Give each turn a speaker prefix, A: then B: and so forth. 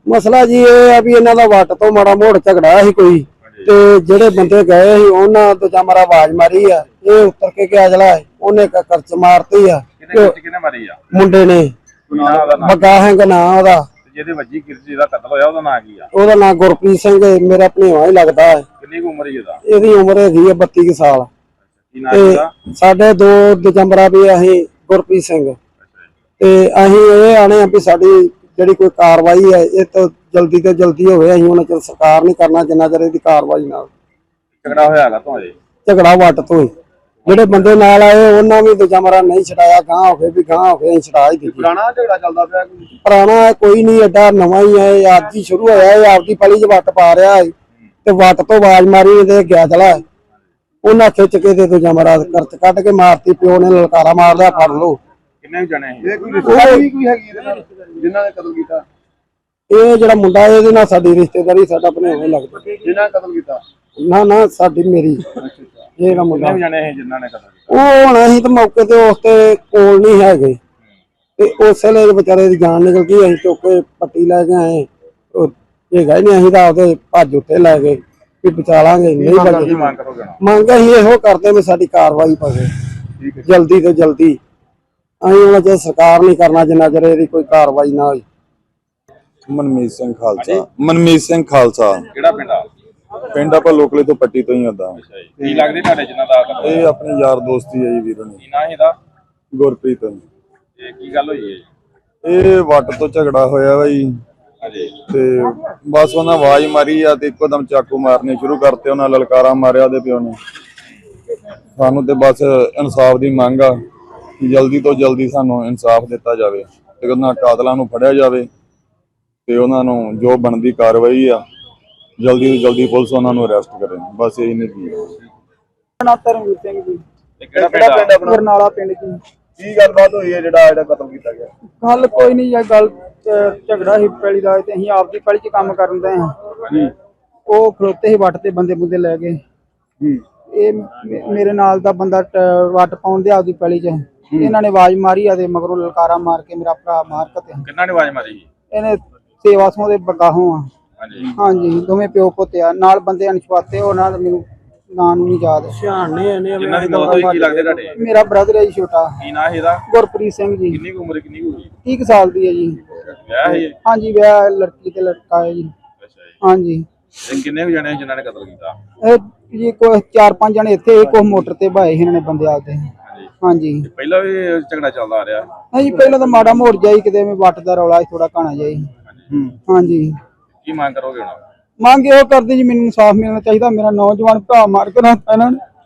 A: ਮਸਲਾ ਜੀ ਇਹ ਆ ਵੀ ਇਹਨਾਂ ਦਾ ਵੱਟ ਤੋਂ ਮਾੜਾ ਮੋੜ ਝਗੜਾ ਸੀ ਕੋਈ ਤੇ ਜਿਹੜੇ ਬੰਦੇ ਗਏ ਸੀ ਉਹਨਾਂ ਦੂਜਾ ਮਾਰਾ ਆਵਾਜ਼ ਮਾਰੀ ਆ, ਇਹ ਉੱਤਰ ਕੇ ਗਿਆ ਜਲਾ ਉਹਨੇ ਕਰਚ ਮਾਰਤੀ ਆ।
B: ਕਿਹਨੇ ਮਾਰੀ ਆ?
A: ਮੁੰਡੇ ਨੇ, ਬੱਗਾ ਸਿੰਘ ਨਾਂ ਉਹਦਾ।
B: ਜਿਹਦੇ ਵੱਜੀ ਕਿਰਜੀ ਦਾ ਕਤਲ ਹੋਇਆ ਉਹਦਾ ਨਾਂ ਕੀ ਆ?
A: ਉਹਦਾ ਨਾਂ ਗੁਰਪ੍ਰੀਤ ਸਿੰਘ, ਮੇਰਾ ਭਣੇਵਾ ਹੀ ਲੱਗਦਾ ਹੈ।
B: ਕਿੰਨੀ ਕੁ ਉਮਰ ਹੈ ਇਹਦਾ?
A: ਇਹਦੀ ਉਮਰ ਹੈਗੀ ਆ 32 ਸਾਲ।
B: ਕੀ ਨਾਂ ਇਹਦਾ?
A: ਸਾਡੇ 2 ਦਸੰਬਰ ਵੀ ਅਸੀਂ ਗੁਰਪ੍ਰੀਤ ਸਿੰਘ ਤੇ ਅਸੀਂ ਇਹ ਆਣੇ ਆ ਵੀ ਸਾਡੀ ਜਿਹੜੀ ਕੋਈ ਕਾਰਵਾਈ ਹੈ ਇਹ ਤਾਂ ਜਲਦੀ ਤੋਂ ਜਲਦੀ ਹੋਵੇ। ਅਸੀਂ ਉਹਨਾਂ ਚਿਰ ਸਰਕਾਰ ਨਹੀਂ ਕਰਨਾ ਜਿੰਨਾ ਚਿਰ ਇਹਦੀ ਕਾਰਵਾਈ ਨਾਲ।
B: ਝਗੜਾ ਹੋਇਆ ਹੈਗਾ ਤੁਹਾਡੇ?
A: ਝਗੜਾ ਵੱਟ ਤੋਂ ਹੀ, ਜਿਹੜੇ ਬੰਦੇ ਨਾਲ ਆਏ ਉਹਨਾਂ ਵੀ ਦੂਜਾ ਮਰਾ ਨਹੀਂ ਛਡਾਇਆ, ਗਾਂ ਹੋਵੇ ਵੀ ਗਾਂ ਹੋਵੇ ਅਸੀਂ ਛਡਾ ਹੀ ਦਿੱਤੀ।
B: ਪੁਰਾਣਾ ਝਗੜਾ ਚੱਲਦਾ ਪਿਆ?
A: ਪੁਰਾਣਾ ਕੋਈ ਨਹੀਂ, ਐਡਾ ਨਵਾਂ ਹੀ ਹੈ, ਅੱਜ ਹੀ ਸ਼ੁਰੂ ਹੋਇਆ। ਇਹ ਆਪਦੀ ਪਲੀ 'ਚ ਵੱਟ ਪਾ ਰਿਹਾ ਹੈ ਤੇ ਵੱਟ ਤੋਂ ਆਵਾਜ਼ ਮਾਰੀ ਤੇ ਗਿਆ ਚਲਾ, ਉਹਨਾਂ ਖਿੱਚ ਕੇ ਤੇ ਦੂਜਾ ਮਰਾ ਕਰਚ ਕੱਢ ਕੇ ਮਾਰਤੀ। ਪਿਓ ਨੇ ਲਲਕਾਰਾ ਮਾਰ ਲਿਆ, ਫੜ ਲਓ।
B: ਕਿੰਨੇ ਜਣੇ? ਇਹ ਕੋਈ ਰਿਸ਼ਤੇਦਾਰੀ ਕੋਈ ਹੈਗੀ ਇਹਦੇ ਨਾਲ ਜਿਨ੍ਹਾਂ ਨੇ ਕਤਲ ਕੀਤਾ?
A: ਇਹ ਜਿਹੜਾ ਮੁੰਡਾ ਇਹਦੇ ਨਾਲ ਸਾਡੀ ਰਿਸ਼ਤੇਦਾਰੀ, ਸਾਡਾ ਭਣੇਵਾ ਹੀ ਲੱਗਦਾ।
B: ਜਿਨ੍ਹਾਂ ਕਤਲ ਕੀਤਾ?
A: ਨਾ ਸਾਡੀ ਮੇਰੀ। ਇਹ ਨਾ ਮੁੰਡਾ
B: ਜਣੇ ਜਿਨ੍ਹਾਂ ਨੇ ਕਤਲ ਕੀਤਾ
A: ਉਹ ਹੁਣ ਅਸੀਂ ਤਾਂ ਮੌਕੇ ਤੇ ਉਸ ਤੇ ਕੋਲ ਨਹੀਂ ਹੈਗੇ ਤੇ ਉਸੇ ਵੇਲੇ ਵਿਚਾਰੇ ਦੀ ਜਾਨ ਨਿਕਲ ਗਈ। ਅਸੀਂ ਚੁੱਕ ਕੇ ਪੱਟੀ ਲੈ ਕੇ ਆਏ। ਇਹ ਗਏ ਨਹੀਂ, ਅਸੀਂ ਤਾਂ ਉਹਦੇ ਭੱਜ ਉੱਤੇ ਲੈ ਗਏ ਵੀ ਬਚਾ ਲਾਂਗੇ। ਨਹੀਂ ਬਚੇ। ਮੰਗ ਅਸੀਂ ਇਹੋ ਕਰਦੇ ਵੀ ਸਾਡੀ ਕਾਰਵਾਈ ਪਵੇ ਜਲਦੀ ਤੋਂ ਜਲਦੀ। ਅਸੀਂ ਉਹਨਾਂ ਚ ਸਰਕਾਰ ਨਹੀਂ ਕਰਨਾ ਜਿੰਨਾ ਚਿਰ ਇਹਦੀ ਕੋਈ ਕਾਰਵਾਈ ਨਾ ਹੋਈ।
C: ਮਨਮੀਤ ਸਿੰਘ ਖਾਲਸਾ। ਮਨਮੀਤ ਸਿੰਘ ਖਾਲਸਾ।
B: ਕਿਹੜਾ ਪਿੰਡ ਆ?
C: ਪਿੰਡ ਆਪਾਂ ਲੋਕਲੇ ਤੋਂ ਪੱਟੀ ਤੋਂ ਹੀ ਆਉਂਦਾ।
B: ਕੀ ਲੱਗਦੇ ਤੁਹਾਡੇ ਜਿਨ੍ਹਾਂ ਦਾ?
C: ਇਹ ਆਪਣੇ ਯਾਰ ਦੋਸਤੀ ਹੈ ਜੀ ਵੀਰੋ ਨੇ।
B: ਕੀ ਨਾਂ ਇਹਦਾ?
C: ਗੁਰਪ੍ਰੀਤ।
B: ਇਹ ਕੀ ਗੱਲ ਹੋਈ ਹੈ?
C: ਇਹ ਵੱਟ ਤੋਂ ਝਗੜਾ ਹੋਇਆ ਵਾ ਜੀ ਤੇ ਬਸ ਉਹਨਾਂ ਆਵਾਜ਼ ਮਾਰੀ ਆ ਤੇ ਇੱਕੋ ਦਮ ਚਾਕੂ ਮਾਰਨੇ ਸ਼ੁਰੂ ਕਰਤੇ। ਉਹਨਾਂ ਲਲਕਾਰਾ ਮਾਰਿਆ ਉਹਦੇ ਪਿਓ ਨੇ। ਸਾਨੂੰ ਤੇ ਬਸ ਇਨਸਾਫ ਦੀ ਮੰਗ ਆ, ਜਲਦੀ ਤੋਂ ਜਲਦੀ ਸਾਨੂੰ ਇਨਸਾਫ ਦਿੱਤਾ ਜਾਵੇ ਤੇ ਉਹਨਾਂ ਕਾਤਲਾਂ ਨੂੰ ਫੜਿਆ ਜਾਵੇ ਤੇ ਉਹਨਾਂ ਨੂੰ ਜੋ ਬਣਦੀ ਕਾਰਵਾਈ ਆ ਜਲਦੀ ਤੋਂ ਜਲਦੀ ਪੁਲਿਸ ਉਹਨਾਂ ਨੂੰ ਅਰੈਸਟ ਕਰੇ। ਬਸ ਇਹੀ ਨਹੀਂ ਕੀ।
A: ਧਰਮਵੀਰ ਸਿੰਘ ਜੀ।
B: ਕਿਹੜਾ ਪਿੰਡ ਆਪਣਾ?
A: ਬਰਨਾਲਾ ਪਿੰਡ ਜੀ।
B: ਕੀ ਗੱਲਬਾਤ ਹੋਈ ਹੈ ਜਿਹੜਾ ਕਤਲ ਕੀਤਾ ਗਿਆ?
A: ਗੱਲ ਕੋਈ ਨਹੀਂ, ਇਹ ਗੱਲ ਝਗੜਾ ਹੀ ਪੈਲੀ ਦਾ ਤੇ ਅਸੀਂ ਆਪਦੀ ਪੈਲੀ 'ਚ ਕੰਮ ਕਰਨ ਦੇ ਹਾਂ। ਉਹ ਖਲੋਤੇ ਹੀ ਵੱਟ ਤੇ ਬੰਦੇ ਬੁੰਦੇ ਲੈ ਗਏ। ਇਹ ਮੇਰੇ ਨਾਲ ਦਾ ਬੰਦਾ ਵੱਟ ਪਾਉਣ ਦੇ ਆਪਦੀ ਪੈਲੀ 'ਚ। ਇਹਨਾਂ ਨੇ ਆਵਾਜ਼ ਮਾਰੀ ਆ ਤੇ ਮਗਰੋਂ ਲਲਕਾਰਾ ਮਾਰ ਕੇ ਮੇਰਾ ਭਰਾ ਮਾਰ ਕੇ।
B: ਕਿੰਨਾ ਨੇ ਆਵਾਜ਼ ਮਾਰੀ?
A: ਇਹਨੇ ਸੇਵਾ ਸੋਂ ਦੇ ਬਗਾਹੋਂ ਆ। ਹਾਂਜੀ ਦੋਵੇਂ ਪਿਓ ਪੁੱਤ ਆ, ਨਾਲ ਬੰਦੇ ਅਣਛਾਤੇ। ਉਹਨਾਂ ਦਾ ਮੈਨੂੰ ਨਾਂ ਨੂੰ ਨਹੀਂ ਯਾਦ।
B: ਜਿਨ੍ਹਾਂ ਦੀ ਮੌਤ ਹੋਈ ਕੀ ਲੱਗਦੇ ਤੁਹਾਡੇ?
A: ਮੇਰਾ ਬ੍ਰਦਰ ਹੈ ਜੀ ਛੋਟਾ।
B: ਕੀ ਨਾਂ ਇਹਦਾ?
A: ਗੁਰਪ੍ਰੀਤ ਸਿੰਘ ਜੀ।
B: ਕਿੰਨੀ ਕੁ ਉਮਰ? ਕਿੰਨੀ ਕੁ ਹੋਈ?
A: 30 ਸਾਲ ਦੀ ਹੈ ਜੀ।
B: ਵਿਆਹ ਹੈ?
A: ਹਾਂਜੀ ਵਿਆਹ, ਲੜਕੀ ਤੇ ਲੜਕਾ ਹੈ ਜੀ।
B: ਅੱਛਾ ਜੀ।
A: ਹਾਂਜੀ।
B: ਕਿੰਨੇ ਕੁ ਜਣੇ ਜਿਨ੍ਹਾਂ ਨੇ ਕਤਲ ਕੀਤਾ?
A: ਇਹ ਜੀ ਕੋਈ 4-5 ਜਣੇ ਇੱਥੇ, ਕੋਈ ਮੋਟਰ ਤੇ ਭਾਏ ਇਹਨਾਂ ਨੇ ਬੰਦੇ ਆਦੇ। ਹਾਂਜੀ।
B: ਪਹਿਲਾਂ ਵੀ ਝਗੜਾ ਚੱਲਦਾ ਆ ਰਿਹਾ?
A: ਹਾਂਜੀ ਪਹਿਲਾਂ ਤਾਂ ਮਾੜਾ ਮੋੜ ਜਾਈ ਕਿਤੇ ਵੱਟ ਦਾ ਰੌਲਾ ਥੋੜਾ ਘਾਣਾ ਜਾਈ। ਹਾਂਜੀ।
B: ਕੀ ਮੰਗ ਕਰੋਗੇ ਹੁਣ?
A: ਮੰਗ ਇਹੋ ਕਰਦੇ ਜੀ ਮੈਨੂੰ ਇਨਸਾਫ ਮਿਲਣਾ ਚਾਹੀਦਾ। ਮੇਰਾ ਨੌਜਵਾਨ ਭਰਾ ਮਾਰ ਕੇ ਰੱਖਤਾ ਇਹਨਾਂ ਨੇ।